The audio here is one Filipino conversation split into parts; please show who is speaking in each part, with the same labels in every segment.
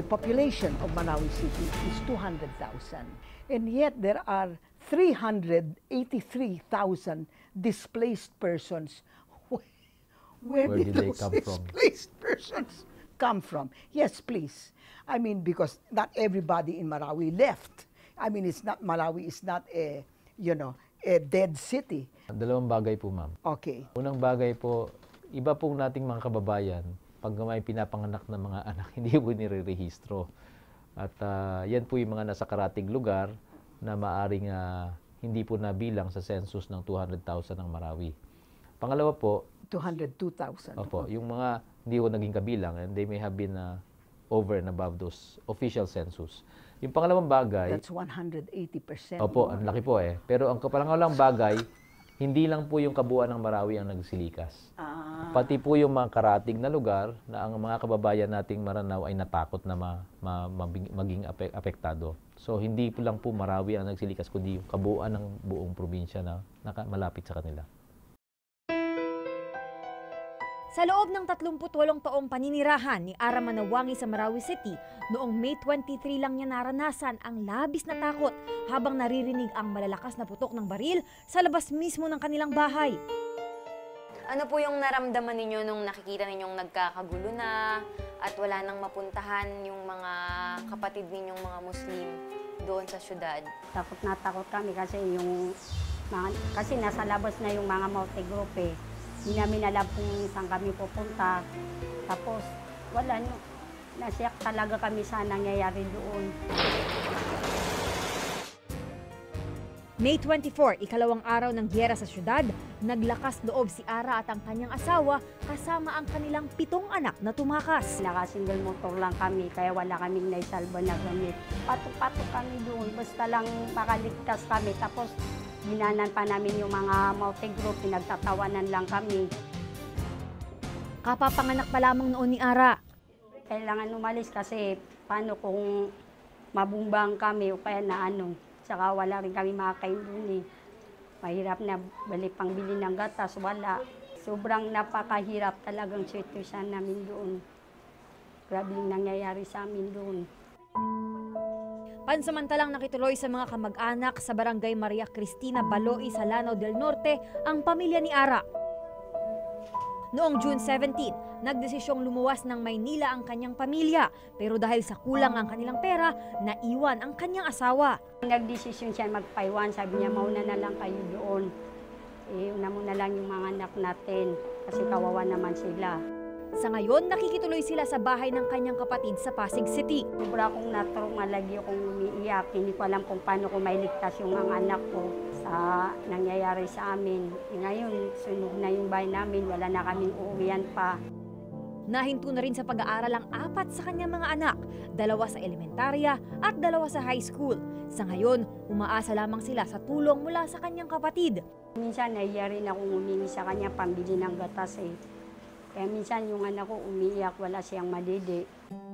Speaker 1: the population of Marawi City is 200,000. And yet there are 383,000 displaced persons. Where did
Speaker 2: they
Speaker 1: those
Speaker 2: come from?
Speaker 1: displaced persons come from? Yes, please. I mean, because not everybody in Marawi left. I mean, Marawi is not a, a dead city.
Speaker 2: Dalawang bagay po, ma'am.
Speaker 1: Okay.
Speaker 2: Unang bagay po, iba pong nating mga kababayan, pag may pinapanganak na mga anak, hindi po nire-rehistro. At yan po yung mga nasa karatig lugar na maaring hindi po nabilang sa census ng 200,000 ng Marawi. Pangalawa po,
Speaker 1: 202,000.
Speaker 2: Opo, yung mga hindi ko naging kabilang and they may have been over and above those official census. Yung pangalawang bagay,
Speaker 1: that's 180%.
Speaker 2: Opo, ang laki po eh. Pero ang pangalawang bagay, hindi lang po yung kabuuan ng Marawi ang nagsilikas. Pati po yung mga karatig na lugar na ang mga kababayan nating Maranao ay natakot na maging apektado. So hindi po lang po Marawi ang nagsilikas, kundi yung kabuuan ng buong probinsya na malapit sa kanila.
Speaker 3: Sa loob ng 38 taong paninirahan ni Ara Manawangi sa Marawi City, noong May 23 lang niya naranasan ang labis na takot habang naririnig ang malalakas na putok ng baril sa labas mismo ng kanilang bahay.
Speaker 4: Ano po yung naramdaman ninyo nung nakikita ninyong nagkakagulo na at wala nang mapuntahan yung mga kapatid ninyong mga Muslim doon sa syudad?
Speaker 5: Takot na takot kami kasi kasi nasa labas na yung mga multi-group eh. Hindi namin alam kung saan kami pupunta. Tapos, wala nyo. Nasiyak talaga kami sa nangyayari doon.
Speaker 3: May 24, ikalawang araw ng giyera sa syudad, naglakas loob si Ara at ang kanyang asawa kasama ang kanilang 7 anak na tumakas.
Speaker 5: Naka-single motor lang kami, kaya wala kaming naisalba na gamit. Patok-patok kami doon, basta lang makaligtas kami. Tapos, ginanan pa namin yung mga multi-group, pinagtatawanan lang kami.
Speaker 3: Kapapanganak pa lamang noon ni Ara.
Speaker 5: Kailangan umalis kasi paano kung mabumbang kami o kaya na saka wala rin kami makakain doon eh. Mahirap na balik pang bili ng gatas, wala. Sobrang napakahirap talagang sitwasyon namin doon. Grabe yung nangyayari sa amin doon.
Speaker 3: Pansamantalang nakituloy sa mga kamag-anak sa Barangay Maria Cristina Baloi sa Lanao del Norte ang pamilya ni Ara. Noong June 17, nagdesisyong lumuwas ng Maynila ang kanyang pamilya, pero dahil sa kulang ang kanilang pera, naiwan ang kanyang asawa.
Speaker 5: Nagdesisyon siya magpaiwan, sabi niya mauna na lang kayo doon. Una muna lang yung mga anak natin kasi kawawa naman sila.
Speaker 3: Sa ngayon, nakikituloy sila sa bahay ng kanyang kapatid sa Pasig City.
Speaker 5: Sobra akong natruma, lagi akong umiiyak. Hindi ko alam kung paano ko mailigtas yung mga anak ko sa nangyayari sa amin. Ngayon, sunog na yung bahay namin, wala na kaming uuwian pa.
Speaker 3: Nahinto na rin sa pag-aaral ang 4 sa kanyang mga anak, 2 sa elementarya at 2 sa high school. Sa ngayon, umaasa lamang sila sa tulong mula sa kanyang kapatid.
Speaker 5: Minsan, nahiya rin akong humingi sa kanya pambili ng gatas eh. Kaya minsan yung anak ko umiiyak, wala siyang madidi.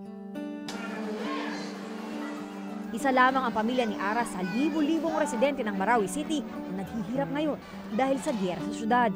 Speaker 3: Isa lamang ang pamilya ni Ara sa libo-libong residente ng Marawi City na naghihirap ngayon dahil sa giyera sa syudad.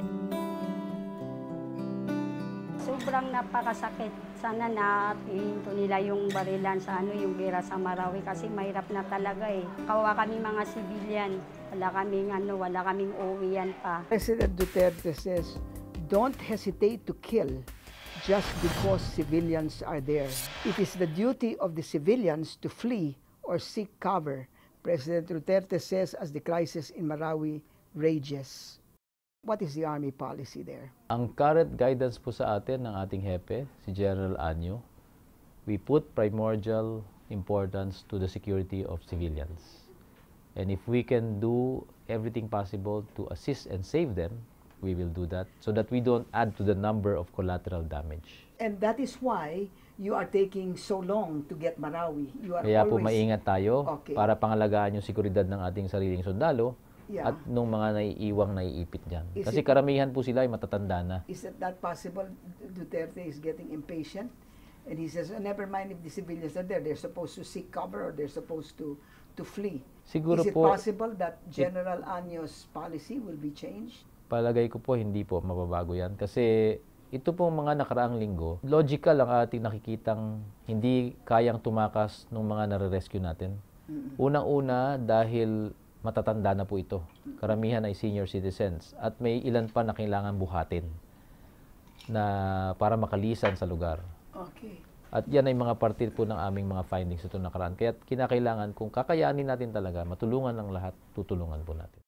Speaker 5: Sobrang napakasakit. Sana na ihinto nila yung barilan sa yung giyera sa Marawi kasi mahirap na talaga eh. Kawawa kami mga civilian. Wala kaming uuwian pa.
Speaker 1: President Duterte says, don't hesitate to kill just because civilians are there. It is the duty of the civilians to flee or seek cover, President Duterte says as the crisis in Marawi rages. What is the Army policy there?
Speaker 2: Ang current guidance po sa atin ng ating hepe, si General Anyo, we put primordial importance to the security of civilians. And if we can do everything possible to assist and save them, we will do that so that we don't add to the number of collateral damage.
Speaker 1: And that is why you are taking so long to get Marawi. You are
Speaker 2: Kaya
Speaker 1: always...
Speaker 2: po maingat tayo para pangalagaan yung seguridad ng ating sariling sundalo at nung mga naiiwang naiipit dyan. Kasi karamihan po sila ay matatanda na.
Speaker 1: Is it that possible Duterte is getting impatient? And he says, oh, never mind if the civilians are there. They're supposed to seek cover or they're supposed to flee.
Speaker 2: Siguro
Speaker 1: is it
Speaker 2: po,
Speaker 1: possible that General Anyo's policy will be changed?
Speaker 2: Palagay ko po hindi po mababago yan kasi ito pong mga nakaraang linggo, logical ang ating nakikitang hindi kayang tumakas ng mga nare-rescue natin. Unang-una dahil matatanda na po ito. Karamihan ay senior citizens at may ilan pa na kailangan buhatin na para makalisan sa lugar.
Speaker 1: Okay.
Speaker 2: At yan ay mga parte po ng aming mga findings ito nakaraan. Kaya kinakailangan kung kakayanin natin talaga, matulungan ng lahat, tutulungan po natin.